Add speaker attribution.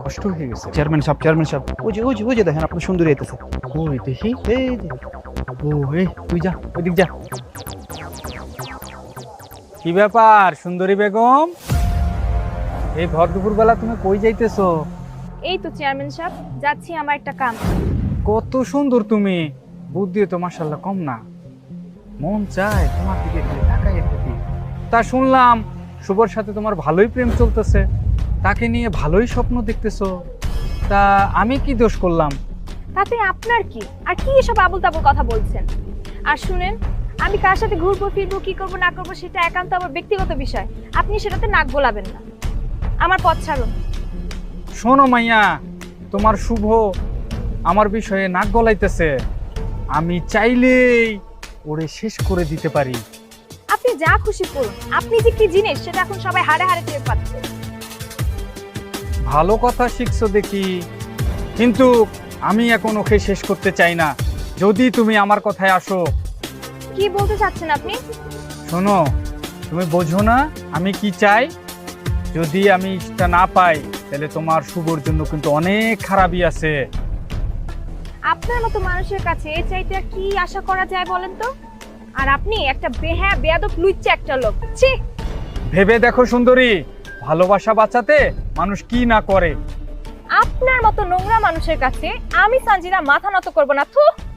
Speaker 1: কষ্ট হয়ে গেছে। চেয়ারম্যান সাহেব ওই যে দেখেন আপনার সুন্দরী আইতেছে। ওই দেখি এই যে, ও এই তুই যা ওইদিক যা। কি ব্যাপার সুন্দরী বেগম, এই ভর দুপুর বেলা তুমি কই যাইতেছো?
Speaker 2: এই তো চেয়ারম্যান সাহেব, যাচ্ছি আমার একটা কাম।
Speaker 1: কত সুন্দর তুমি, বুদ্ধি তো মাশাআল্লাহ কম না। মন চায় তোমার দিকে খালি তাকাই থাকি। তা শুনলাম শুভর সাথে তোমার ভালোই প্রেম চলতেছে, তাকে নিয়ে ভালোই স্বপ্ন দেখতেছো। তা আমি কি দোষ করলাম?
Speaker 2: তাতে আপনার কি? আর কি এসব আবল তাবল কথা বলছেন? আর শুনেন, আমি কার সাথে ঘুরবো ফিরবো, কি করবো না করবো সেটা একান্ত আমার ব্যক্তিগত বিষয়। আপনি সেটাতে নাক গলাবেন না। আমার পথ ছাড়ুন।
Speaker 1: শোনো মাইয়া, তোমার শুভ আমার বিষয়ে নাক গলাইতেছে, আমি চাইলেই ওরে শেষ করে দিতে পারি।
Speaker 2: আপনি যা খুশি করুন, আপনি যে কি জিনিস সেটা এখন সবাই হাড়ে হাড়ে টের পাচ্ছে।
Speaker 1: ভালো কথা শিখছো দেখি, কিন্তু আমি এখন ওকে শেষ করতে চাই না। যদি তুমি আমার কথায় আসো।
Speaker 2: কি বলতে চাচ্ছেন আপনি?
Speaker 1: শোনো, তুমি বোঝো না আমি কি চাই। যদি আমি সেটা না পাই তাহলে তোমার শুভর জন্য কিন্তু অনেক খারাপই আছে।
Speaker 2: আপনার মতো মানুষের কাছে এর চাইতে আর কি আশা করা যায় বলেন তো? আর আপনি একটা বেয়াদব লুচ্চা একটা লোক। ছি!
Speaker 1: ভেবে দেখো সুন্দরী, ভালোবাসা বাঁচাতে মানুষ কি না করে।
Speaker 2: আপনার মতো নোংরা মানুষের কাছে আমি সানজিরা মাথা নত করব না। থু!